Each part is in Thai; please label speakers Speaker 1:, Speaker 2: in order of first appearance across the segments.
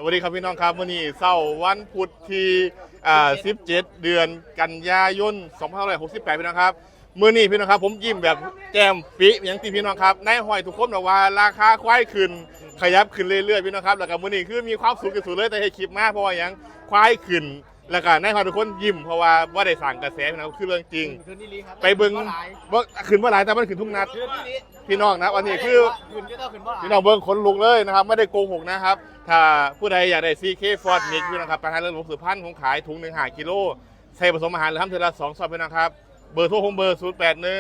Speaker 1: วัสดีครับพี่น้องครับวันนี้เสาร์วันพุธที่17 เดือนกันยายน2568พี่น้องครับมื้อนี้พี่น้องครับผมยิ้มแบบแก้มปิอย่างที่พี่น้องครับในห้อยทุกคนบอกว่าราคาควายขึ้นขยับขึ้นเรื่อยๆพี่น้องครับแล้วก็มื้อนี้คือมีความสุขที่สุดเลยแต่ให้คลิปมากเพราะว่าอย่างควายขึ้นแล้วก็ในห้อยทุกคนยิ้มเพราะว่าได้สั่งกระแสพี่น้องคือเรื่องจริงไปเบิ่งว่าขึ้นว่าหลายแต่มันขึ้นทุกนัดพี่น้องนะวันนี้คือพี่น้องเบิ่งขนลุกเลยนะครับไม่ได้โกหกนะครับถ้าผู้ใดอยากได้ CK Ford Mix พี่น้องครับประธานเรื่องหลวงสือพันธุ์ของขายถุง1 5 กิโลใส่ผสมอาหารหรือทำเทอละ2 ซองพี่น้องครับเบอร์โทรของเบอร์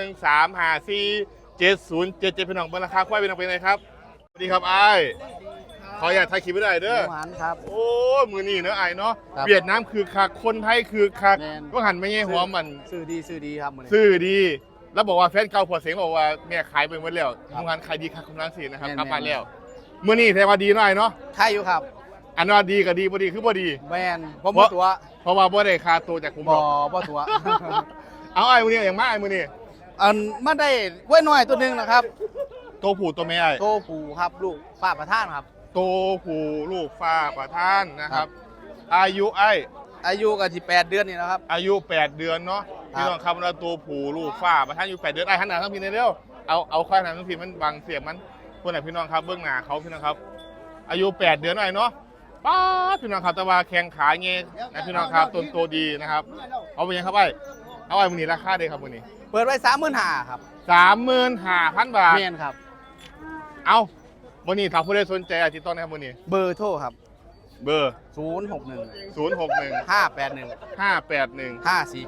Speaker 1: 0813547077พี่น้องเบอร์ราคาควายพี่น้องเป็นไงครับสวัสดีครับไอ้ขออยากถ่ายคลิปไม่ได้เด้อ
Speaker 2: ครับ
Speaker 1: โอ้มือนี่เนอะไอ้เนาะเวียดนามคือคักคนไทยคือคักก็หันไม่ใช่หัวมัน
Speaker 2: ซื้อดีครับ
Speaker 1: ซื้อดีแล้วบอกว่าแฟนเก่าพอเสียงบอกว่าแม่ขายไปหมดแล้วทำงานขายดีคักคนนั้นสินะครับกลับมาแล้วมือนี่แทนว่าดีหน่อยเนาะ
Speaker 2: ใช่อยู่ครับ
Speaker 1: อันว่าดีกับดีบ่ดีคือบ่ดี
Speaker 2: แมนผมบ่ตัว
Speaker 1: เพราะว่าบ่ได้ค่าตัวจากผม
Speaker 2: บ่ตัว
Speaker 1: เอาไอ้มือนี่อย่างมากไอ้มือนี่
Speaker 2: มาได้ไว้หน่อยตัวนึงนะครับ
Speaker 1: ตัวผู้ตัวแม่ไอ้
Speaker 2: ตัวผู้ครับลูกป้าประท่านครับ
Speaker 1: ตัวผู้ลูกฟ้าประท่านนะครับอายุ
Speaker 2: กันที่8 เดือนนี่นะครับ
Speaker 1: อายุ8 เดือนเนาะพี่น้องครับเราตัวผู้ลูกฟ้าประท่านอายุ8 เดือนไอ้หันหน้าทั้งพี่เร็วเอาข้างหน้าทั้งพี่มันบังเสียงมันคนไหนพี่น้องครับเบื้องหน้าเขาพี่น้องครับอายุ8 เดือนหน่อยเนาะป้าพี่น้องครับแต่ว่าแข้งขาเงี้ยนะพี่น้องครับต้นโตดีนะครับเอาไปยังครับไอ้เอาไอ้มือนี่ราคาเด้ครับมือนี่
Speaker 2: เปิดไว้35,000ครับ
Speaker 1: 35,000 บาท
Speaker 2: เมียนครับ
Speaker 1: เอามือนี่ถ้าผู้ใดสนใจติดต่อนะครับมือนี่
Speaker 2: เบอร์โทรครับ
Speaker 1: เบอร์
Speaker 2: 061 581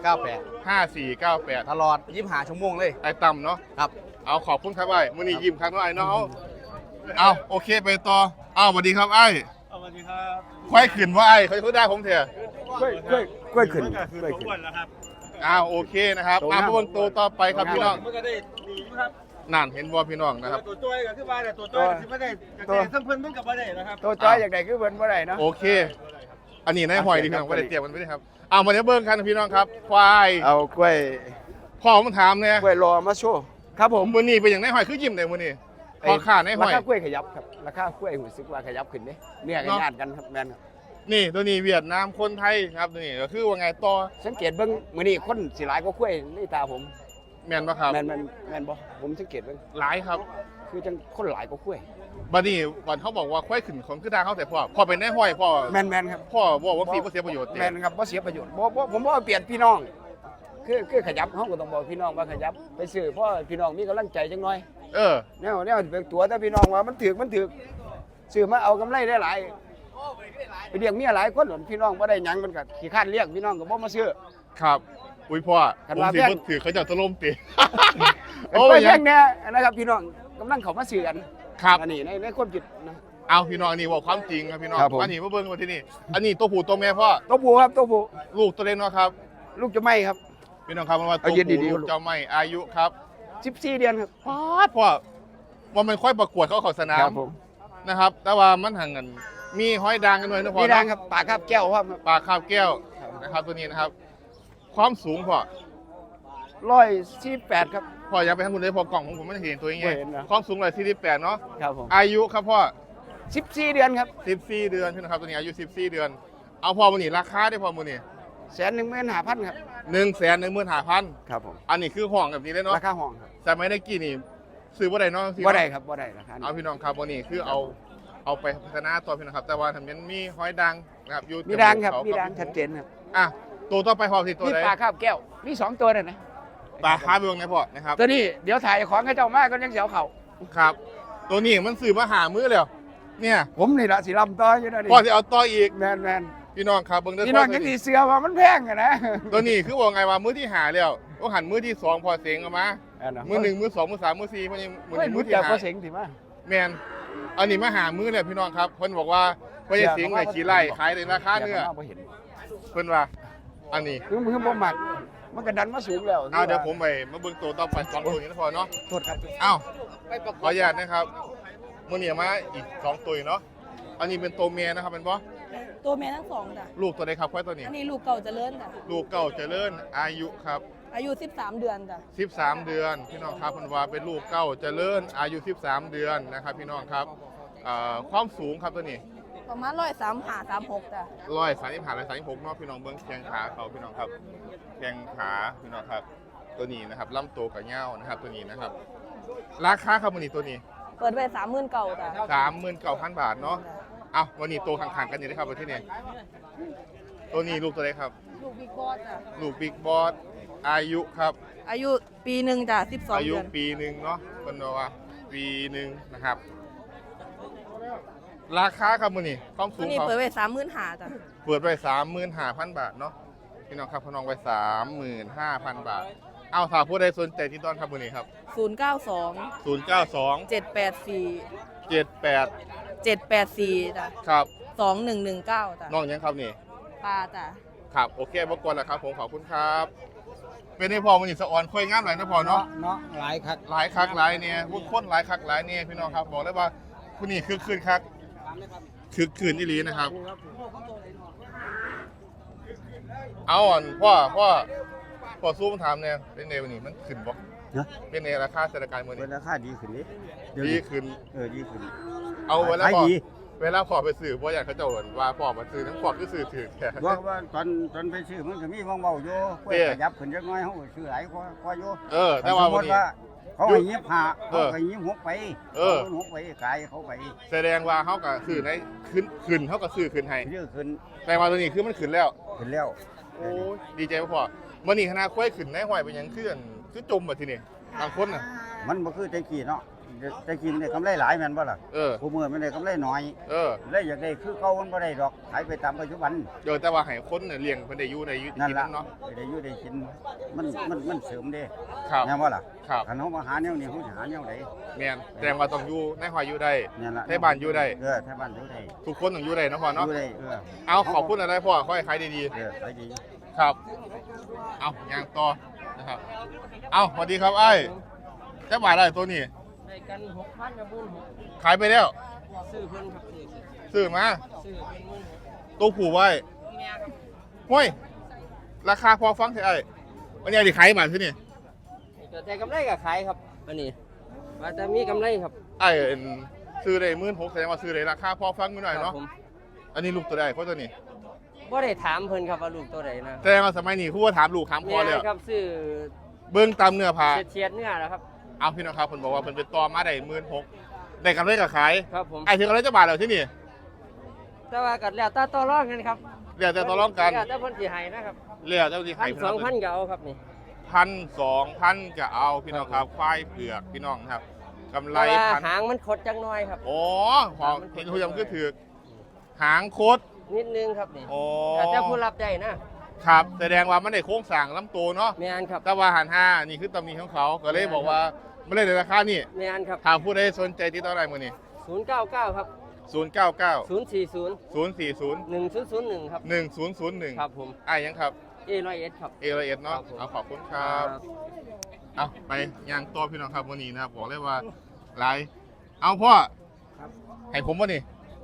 Speaker 2: 5498ตลอด25 ชั่วโมงเลย
Speaker 1: ไอ้ต่ำเนาะ
Speaker 2: ครับ
Speaker 1: เอาขอบคุณครับไอ้มือนี่ยิ้มครับไอ้เนาะเอาโอเคไปต่อเอาสวัสดีครับไอ้
Speaker 3: สวัสดีครับ
Speaker 1: ควายขืนว่าไอ้เขาได้ผมเถอะ
Speaker 2: กล้วยขึ้น
Speaker 1: โอเคนะครับมาบนตัวต่อไปครับพี่น้อง
Speaker 3: มันก็ได้ดีครับ
Speaker 1: นั่นเห็นบอพี่น้องนะครับ
Speaker 3: ตัวจ้อยก็คือว่าแต่ตัวจ้อยที่ไม่ได้แต่ทั้งเพิ่นมันกับว่าได้นะครับ
Speaker 2: ตัวจ้อยอย่างไรคือเพิ่นว่าได้เนาะ
Speaker 1: โอเคอันนี้นายหอยดีพี่น้องว่าได้เตรียมมันไม่ได้ครับเอามาเนี้ยเบิ้งกันพี่น้องครับควาย
Speaker 2: เอากล้วย
Speaker 1: พ่อมันถามเนี่ย
Speaker 2: กล้วยรอมาโชว์ครับผม
Speaker 1: มือนี่เป็นอย่างนายหอยคือยิ้มเลยมือนี่พอขาดนายหอย
Speaker 2: ราคากล้วยขยับครับราคากล้วยหูซึกว่าขยับขึ้นเนี่ยกันญาติกันครับแมนครับ
Speaker 1: นี่ตัวนี้เวียดนามคนไทยครับตัวนี้ก็คือว่าไงต่อ
Speaker 2: สังเกตเบิ้งมือนี่คนสิหลายก็กล้วยนี่ตาผม
Speaker 1: แมนปะครับ
Speaker 2: แมนบ่ผมสังเกตเบิ้ง
Speaker 1: หลายครับ
Speaker 2: คือจังคนหลายก็กล้วย
Speaker 1: บัดนี้วันเขาบอกว่าควายขึ้นของคือดาเขาแต่พ่อเป็นนายหอยพ่อ
Speaker 2: แมนครับ
Speaker 1: พ่อบอกว่าเสียประโยชน์
Speaker 2: แมนครับว่าเสียประโยชน์ผมว่าเปลี่ยนพี่น้องคือขยับเขาก็ต้องบอกพี่น้องว่าขยับไปซื้อเพราะพี่น้องมีกำลังใจจังหน่อยเนี่ยเป็นตัวแต่พี่น้องว่ามันถือซื้อมาเอากำไรได้หลายไปเลี้ยงเมียหลายคนพี่น้องว่าได้ยังมันก็ขี้ข้านเลี้ยงพี่น้องก็บ่มาซื้อ
Speaker 1: ครับอุ้ยพ่อผมถือถือเขาจะตะล่มตี
Speaker 2: โอ้ยยังเนี่ยนะครับพี่น้องกำลังเขามาซื้อกัน
Speaker 1: ครับ
Speaker 2: อันนี้ในคนจิตนะ
Speaker 1: เอาพี่น้องอันนี้บอกความจริงครับพี่น้องอันนี้มาเบิ้งมาที่นี่อันนี้ตัวผู้ตัวแม่พ่อ
Speaker 2: ตัวผู้ครับตัวผู้
Speaker 1: ลูกตัวเล็กเนาะครับ
Speaker 2: ลูกจะไม่ครับ
Speaker 1: พี่น้องครับมันว่าตัวผู้ลูกจะไม่อายุครับ
Speaker 2: 14 เดือนครับ
Speaker 1: พ่อว่ามันค่อยประกวดเขาสนามนะครับแต่ว่ามันห่างกันมีห้อยดังกันหน่อยนะพ่อ
Speaker 2: มีดังครับปากคาบแก้วครับ
Speaker 1: ปากคาบแก้วนะครับตัวนี้นะครับความสูงพ่อ
Speaker 2: 148ครับ
Speaker 1: พ่ออยากไปทำบุญเลยพอกล่องของผมไม่เห็นตัวยังไงความสูง148เนาะ
Speaker 2: ครับผม
Speaker 1: อายุครับพ่อ
Speaker 2: 14 เดือนครับ
Speaker 1: 14 เดือนพี่นะครับตัวนี้อายุ14 เดือนเอาพ่อมันนี่ราคาได้พ่อมันนี่
Speaker 2: 115,000ครับ
Speaker 1: 115,000
Speaker 2: ครับผม
Speaker 1: อันนี้คือห้องแบบนี้เลยเนาะ
Speaker 2: ราคาห้องครับ
Speaker 1: แต่ไม่ได้กี่นี่ซื้อบ่ได้เนาะ
Speaker 2: บ่ได้ครับบ่ได้ราคา
Speaker 1: เอาพี่น้องครับวันนี้คือเอาไปพัฒนาตัวพี่น้องครับแต่ว่าทำนั้นมีห้อยดังนะครับ
Speaker 2: มีดังครับมีดังชัดเจนครับ
Speaker 1: ตัวต่อไปพอสิตัวไหน
Speaker 2: ปลาคาบแก้วมี2 ตัวเลยนะ
Speaker 1: ปลาคาบวงไหนพ่อนะครับ
Speaker 2: ตัวนี้เดี๋ยวถ่ายของให้เจ้ามากก็ยังเสียวเข่า
Speaker 1: ครับตัวนี้มันสื่อมาหามือแล้วเนี่ย
Speaker 2: ผมนี่ละสีลำต่ออยู่นะ
Speaker 1: พ่อจะเอาต่ออีก
Speaker 2: แมน
Speaker 1: พี่น้องครับเบิ่งได้
Speaker 2: พี่น้องยังตีเสือว่ามันแพงอะนะ
Speaker 1: ตัวนี้คือว่าไงว่ามือที่หาแล้วก็หันมือที่2พอเสียงออกมามือ1มือ2มือ3มือ4มือที่
Speaker 2: หาพอเสียงถือว่า
Speaker 1: แมนอันนี้มาหามือเลยพี่น้องครับเพิ่นบอกว่าพอจะเสียงเลยขี่ไล่ขายในราคาเนื้อเพิ่นว่าอันนี้
Speaker 2: คือบ่หมักมันกระดันมาสูงแล้ว
Speaker 1: เดี๋ยวผมไปมาเบิ่งตัวต่อไป2ตัวนี้นะพอเนาะ
Speaker 2: โทษครับ
Speaker 1: ขออนุญาตนะครับมื้อนี้มาอีก2ตัวเนาะอันนี้เป็นตัวเมียนะครับเป็นบ่
Speaker 4: ตัวเมียทั้ง2จ้ะ
Speaker 1: ลูกตัวใดครับควายตัวนี้
Speaker 4: อันนี้ลูกเก่าเจริญจ้ะ
Speaker 1: ลูกเก่าเจริญอายุครับ
Speaker 4: อายุ13 เดือนจ้ะ
Speaker 1: 13 เดือนพี่น้องครับเพิ่นว่าเป็นลูกเก่าเจริญอายุ13 เดือนนะครับพี่น้องครับความสูงครับตัวนี้
Speaker 4: ประมาณ135-36จ้ะ
Speaker 1: 135-136เนาะพี่น้องเบิ้งแข้งขาเขาพี่น้องครับแข้งขาพี่น้องครับตัวนี้นะครับลำตัวกับเงานะครับตัวนี้นะครับราคาครับวันนี้ตัวนี้
Speaker 4: เปิดไว้30,000จ้ะ
Speaker 1: 39,000 บาทเนาะเอาวันนี้ตัวข้างๆกันอยู่นะครับวันที่นี่ตัวนี้ลูกตัวไหนครับ
Speaker 4: ลูกบิ๊กบอสจ้ะ
Speaker 1: ลูกบิ๊กบอสอายุครับ
Speaker 4: อายุปีหนึ่งจ้ะ12
Speaker 1: อายุ
Speaker 4: เดือน
Speaker 1: ปีหนึ่งเนาะเป็นว่าปีหนึ่งนะครับ ราคาครับมือนี่ความสู
Speaker 4: ตัว
Speaker 1: ง
Speaker 4: นี้
Speaker 1: เขา
Speaker 4: เปิดไว้35,000จ้ะ
Speaker 1: เปิดไป35,000 บาทเนาะพี่น้องครับพี่น้องไป35,000 บาท เอาถ้าผู้ใดสนใจที่ต้อนครับมือนี้ครับ
Speaker 4: 092
Speaker 1: 092
Speaker 4: 784
Speaker 1: 78
Speaker 4: 784จ้ะ
Speaker 1: ครับ
Speaker 4: 2119จ้ะ
Speaker 1: น้องยังครับนี่
Speaker 4: ปลาจ้ะ
Speaker 1: ครับโอเคบกวนแล้วครับผมขอบคุณครับ เป็นให้พอมือนี่สะออนค่อยงามหลายนะพอเนาะ
Speaker 3: เนาะหลายคัก
Speaker 1: หลายคักหลายเนี่ยพวกคนหลายคักหลายเนี่ยพี่น้องครับบอกเลยว่าผู้นี้คือคืนคักคือคืนอีหลีนะครับ เอาอ่อนพ่อสู้มันถามเนี่ยเป็นไงวันนี้มันขึ้นบ่
Speaker 3: นะ
Speaker 1: เป็นไงราคาเศรษฐกิจมื้อ
Speaker 3: เป็
Speaker 1: นี้
Speaker 3: นราคาดีขึ้นดิ
Speaker 1: ดีขึ้น
Speaker 3: ดีขึ้น
Speaker 1: เอาเวลา
Speaker 3: ขาย
Speaker 1: พ่อ
Speaker 3: ดี
Speaker 1: เวลาพ่อไปซื้อบ่อยากเขาเจ้าเอิ้นว่าพ่อมาซื้อทั้งพ่อคือซื้อถือแท้
Speaker 3: ว่าตอนไปซื้อมันก็มีมองเบาอยู่เพื่อขยับขึ้นจักหน่อยเขาก็ซื้อหลายกว่าอยู่
Speaker 1: แต่ว่าวันนี้
Speaker 3: เขาให้ยิบหา
Speaker 1: เอ
Speaker 3: เขา
Speaker 1: อ
Speaker 3: ให้ยิบหกไป
Speaker 1: เออ
Speaker 3: หกไปขายเขาไป
Speaker 1: แสดงว่าเขาก็ซื้อในขึ้นเขาก็ซื้อขึ้นให้
Speaker 3: เยอะขึ้น
Speaker 1: แต่ว่าตัวนี้คือมันขึ้นแล้ว
Speaker 3: ขึ้นแล้ว
Speaker 1: โอ้ยดีใจบ่พ่อมื้อนี้คณะควายขึ้นในห้อยเป็นหยังคือจมบัดทีนี้บางคนน่ะ
Speaker 3: มันบ่คือแต่กี้เนาะแต่กี้มันได้กำไรหลายแม่นบ่ล่ะ
Speaker 1: เออ
Speaker 3: ผู้มือมันได้กำไรน้อย
Speaker 1: เออ
Speaker 3: เลยอยากได้คือเก่ามันบ่ได้ดอกขายไปตามปัจจุบัน
Speaker 1: แต่ว่าให้คนเนี่ยเลี้ยงเพิ่นได้อยู่ใน
Speaker 3: นั่น
Speaker 1: กิน
Speaker 3: ล่ะ
Speaker 1: เนาะ
Speaker 3: ได้อยู่ได้กินมันเสริมเด้
Speaker 1: ครับ
Speaker 3: แม่นบ่ล่ะ
Speaker 1: ครับ
Speaker 3: คันเฮามาหาแนวนี้เฮาสิหาแนวใด
Speaker 1: แม่นแสดงว่าต้องอยู่ในห้อยอยู่ได้
Speaker 3: นั่นล่ะ
Speaker 1: ให้บ้านอยู่ได้
Speaker 3: ไทบ้านอยู่ได้
Speaker 1: ทุกคนต้องอยู่ได้เนาะพ่อ
Speaker 3: อ
Speaker 1: เนาะ
Speaker 3: ยู่ได้
Speaker 1: เอาขอบคุณอะไรพ่อขอให้ขายดี
Speaker 3: ขายดี
Speaker 1: ๆครับ เอาย่างต่อนะครับ เอาสวัสดีครับไอ้จะบาทอะไรตัวนี้
Speaker 5: ได้กัน6,000กับ16,000
Speaker 1: ขายไปแล้ว
Speaker 5: ซื้อเพิ่นครับซื้อ
Speaker 1: ซื้อมา
Speaker 5: ซื้อเป็นมื้อ
Speaker 1: ตัวผูไว้
Speaker 5: แม่ครับ
Speaker 1: ห้วยราคาพอฟังเถอะไอ้วันนี้ดิขายมาที่นี่
Speaker 5: ก็ได้กำไรก็ขายครับอันนี้ว่าจะมีกำไรครับ
Speaker 1: ไอ้ซื้อได้16,000แสดงว่าซื้อได้ราคาพอฟังนิดหน่อย
Speaker 5: ครั
Speaker 1: เนาะ
Speaker 5: บผม
Speaker 1: อันนี้ลูกตัวใดเพราะตัวนี้
Speaker 5: บ่ได้ถามเพิ่นครับว่าลูกตัวใดนะ
Speaker 1: แสดงว่าสมัยนี้คู่ว่าถามลูกถามพ่อเลย
Speaker 5: แม่ครับซื้อ
Speaker 1: เบิ้งตามเนื้อผ้า
Speaker 5: เฉียดๆเนื้อแล้วครับ
Speaker 1: เอาพี่น้องครับเพิ่นบอกว่าเพิ่นเป็นตอมาได้16,000ได้กำไรก็ขาย
Speaker 5: ครับผม
Speaker 1: ไอ้ถึงอะไรจะบาทแล้วที่นี่
Speaker 5: แต่ว่าก็แล้วแต่ต่อรองกันครับ
Speaker 1: เรียกแต่ต่อรองกัน
Speaker 5: แล้วแต่เพิ่นสิให้นะครับ
Speaker 1: เรียกเจ้าที่ขาย
Speaker 5: 1,000 2,000ก็เอาครับนี่
Speaker 1: 1,200ก็เอาพี่น้องครับควายเผือกพี่น้องครับกำไร
Speaker 5: แต่ว่า
Speaker 1: พัน
Speaker 5: หางมันคดจังน้อยครับ
Speaker 1: โอ้พอเห็นทุกอย่างคือถือกหางโคตร
Speaker 5: นิดนึงครับนี่
Speaker 1: โอ้
Speaker 5: แต่ถ้าผู้รับได้นะครับ
Speaker 1: แสดงว่ามันได้โค้งสร้างลำตัวเนาะ
Speaker 5: แม่นครับ
Speaker 1: แต่ว่าหันห้านี่คือตำหนิของเขาก็เลยบอกว่าไม่ได้ในราคานี่
Speaker 5: แม่นครับ
Speaker 1: ถามผู้ใดสนใจที่เท่าไหร่มื้อนี้
Speaker 5: 099ครับ
Speaker 1: 099
Speaker 5: 040
Speaker 1: 040
Speaker 5: 1001ครับ
Speaker 1: 1001
Speaker 5: ครับผม
Speaker 1: อ้ายยังครับ
Speaker 5: A101ครับ
Speaker 1: เอละเอ็ดเนาะ
Speaker 5: ครับผม
Speaker 1: เอาขอบคุณครับ เอาไปย่างตัวพี่น้องครับวันนี้นะครับบอกเลยว่าหลายเอาพ่อให้ผมวะนี่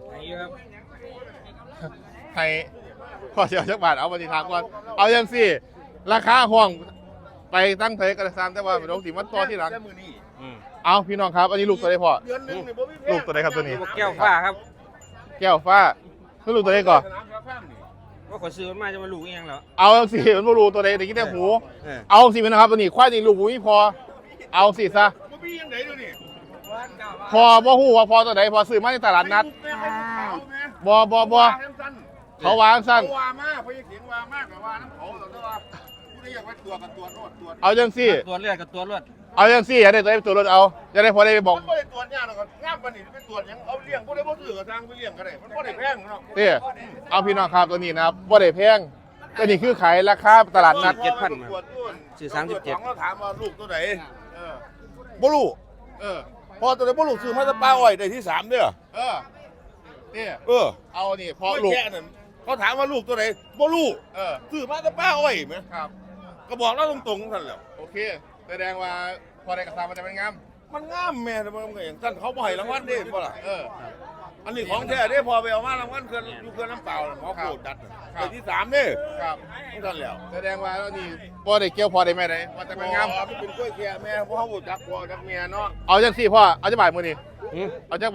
Speaker 1: ให้พ่อเสียจักบาทเอาวันนี้ทางก่อนเอายังสิราคาห้องไปตั้งเทกระซามแต่ว่าเป็นลงสีมันตัวที่หลังเอาพี่น้องครับอันนี้ลูกตัวใดพ่อ
Speaker 3: เดือนนึงนี่บ่มี
Speaker 1: ลูกตัวใดครับตัวนี้
Speaker 5: แก้วฟ้าครับ
Speaker 1: แก้วฟ้าคือลูกตัวใดก่อน
Speaker 5: ว่าขอซื้อมาจะมาลูกเองเหรอ
Speaker 1: เอาสิมันบ่รู้ตัวใดแต่กี้แต่หู
Speaker 5: เออ
Speaker 1: เอาสิพี่นะครับตัวนี้ควายนี่ลูกหูไม่พอเอาสิซะ
Speaker 3: บ่มียังไงดูนี่
Speaker 1: พอบ่ฮู้ว่าพอตัวใดพอซื้อมาในตลาดนัดบ่เขาวางสั้น
Speaker 3: ว่ามาเพราะยังเสียงว่ามากกว่าน้ำเขาแต่ว่าผู้ใดอยากไปตัวกับตัวโนดตัว
Speaker 1: เอาจังซี่
Speaker 5: ตัวเลือดกับตัวเลือด
Speaker 1: เอาจังซี่อย่าได้ตัวได้ตัวรถเอาจะได้พอได้ไปบอก
Speaker 3: มันบ่ได้ตรวจยากหรอกครับงามปานนี้ไปตรวจหยังเอาเลี้ยงบ่ได้บ่ซื้อกับทางไปเลี้ยงก็ได้มันบ่ได้แพงเนาะ
Speaker 1: เด้เอาพี่น้องครับตัวนี้นะครับบ่ได้แพงตัวนี้คือขายราคาตลาดนัด
Speaker 5: 7,000มา
Speaker 3: ตรวจด้วย
Speaker 5: ซื้อ
Speaker 3: ตรวจ
Speaker 5: 37
Speaker 3: ของเราถามว่าลูกตัวไหนบ่รู้
Speaker 1: เออ
Speaker 3: พอตัวไหนบ่รู้ซื้อมาแตะป้าอ้อยได้ที่3เด้อ
Speaker 1: เออเด้ เอานี่พอ
Speaker 3: ไม่
Speaker 1: ลูก
Speaker 3: แค่นั้นเขาถามว่าลูกตัวไหนบ่รู้
Speaker 1: เออ
Speaker 3: ซื้อมาแตะป้าอ้อยแหม
Speaker 1: ครับ
Speaker 3: ก็บอกเราตรงๆท่านแหล้ว
Speaker 1: โอเคแสดงว่าพอได้กระซามันจะเป็นงาม
Speaker 3: มันงามแม่แต่มันก็อย่างท่านเขาบ่ให้รางวัลเด้บ่ล่ะ
Speaker 1: เออ
Speaker 3: อันนี้ของแท้เด้พอไปเอามารางวัลเขื่อนอยู่เขื่อนน้ำเปล่าน่ะหมอโคตรดัดน่ะ
Speaker 1: ครับ
Speaker 3: ได้ที่3เด้
Speaker 1: ครับ
Speaker 3: ของท่านแล้ว
Speaker 1: แสดงว่าแล้วนี่พอได้เกี่ยวพอได้แม่ได้ว่าจะเป็นงาม
Speaker 3: อ๋อมันเป็นกล้วยแค่แม่เพราะเขาบ่จักพ่อจักเมียเนาะ
Speaker 1: เอาจังซี่พ่อเอาจักบาทมื้อนี้เอาจักบาท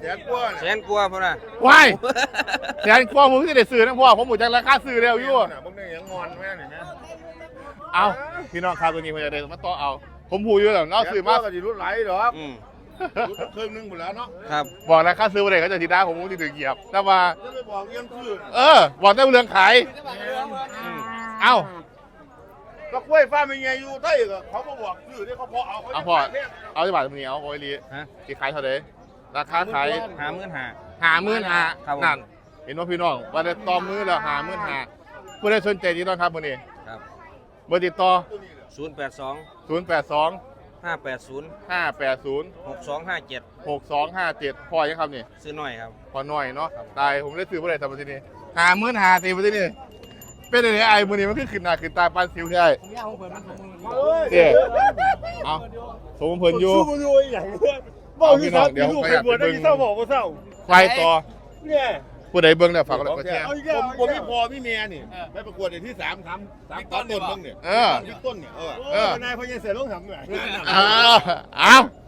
Speaker 3: แสนกว่า
Speaker 5: แสนกว่าพุ่นน่ะ
Speaker 1: ว้ายแสนกว่าผมที่ได้ซื้อนะพ่อผมหมดจากราคาซื้อแล้วอยู่
Speaker 3: น่ะบ่ได้หยังงอนแม่นี่นะ
Speaker 1: เอาพี่น้องครับตัวนี้ผมจะได้มาต่อเอา ผมพูดอยู่แล้วเนาะซื้อมา
Speaker 3: ก็สิรุ่นไหลดอก
Speaker 5: อืม
Speaker 3: ครึ่งนึงหมดแล้วเนาะ
Speaker 5: ครับ
Speaker 1: บอกราคาซื้อมาเลยก็จะทีได้ผมที่ถือเหยียบแต่ว่า
Speaker 3: จะไปบอกยังซื้อ
Speaker 1: บอกได้เรื่องขาย เอ้า
Speaker 3: ก็กล้วยฟ้าเป็นไงอยู่ใต้ก็เขาก็บอกซื้อที่เขาพอเอาเขา
Speaker 1: เอาพอเอาจะบาทตัวนี้เอาโอ้ยลี
Speaker 5: ฮะ
Speaker 1: ที่ขายเท่าไหร่ราคาขาย
Speaker 5: 55,000
Speaker 1: 55,000
Speaker 5: ครับผม
Speaker 1: นั่นเห็นว่าพี่น้องว่าได้ต่อมือแล้ว55,000ผู้ใดสนใจดีต้องครับมื้อนี้
Speaker 5: ครับ
Speaker 1: เบอร์ติดต่อ
Speaker 5: 082
Speaker 1: 082
Speaker 5: 580
Speaker 1: 580
Speaker 5: 6257
Speaker 1: 6257พ่อยังครับนี่
Speaker 5: ซื้อหน่อยครับ
Speaker 1: พอหน่อยเนาะตายผมได้ซื้อเมื่อไหร่ทำมาที่นี่55,000ตีมาที่นี่เป็นอะไรไอ้มื้อนี้มันคือขึ้นหน้าขึ้นตาปานสิวใช่เด้เอาสมเพิ่นอยู่
Speaker 3: สู้อยู่อย่างบอกอยู่ครับอยู่ใครบวชได้ที่เศร้าบอกว่าเศร้า
Speaker 1: ไฟต่อ
Speaker 3: เนี่ย
Speaker 1: ผู้ใดเบิ่งแล้วฝากกดไลค์กดแชร์
Speaker 3: เอาอีกแล้วผมมีพอมีเมียนี่ไปประกวดที่3 ต้นเนี่ย
Speaker 1: เออ
Speaker 3: ที่ต้นเนี่ยนายพญาเสือลงทำเนี่ย
Speaker 1: เอา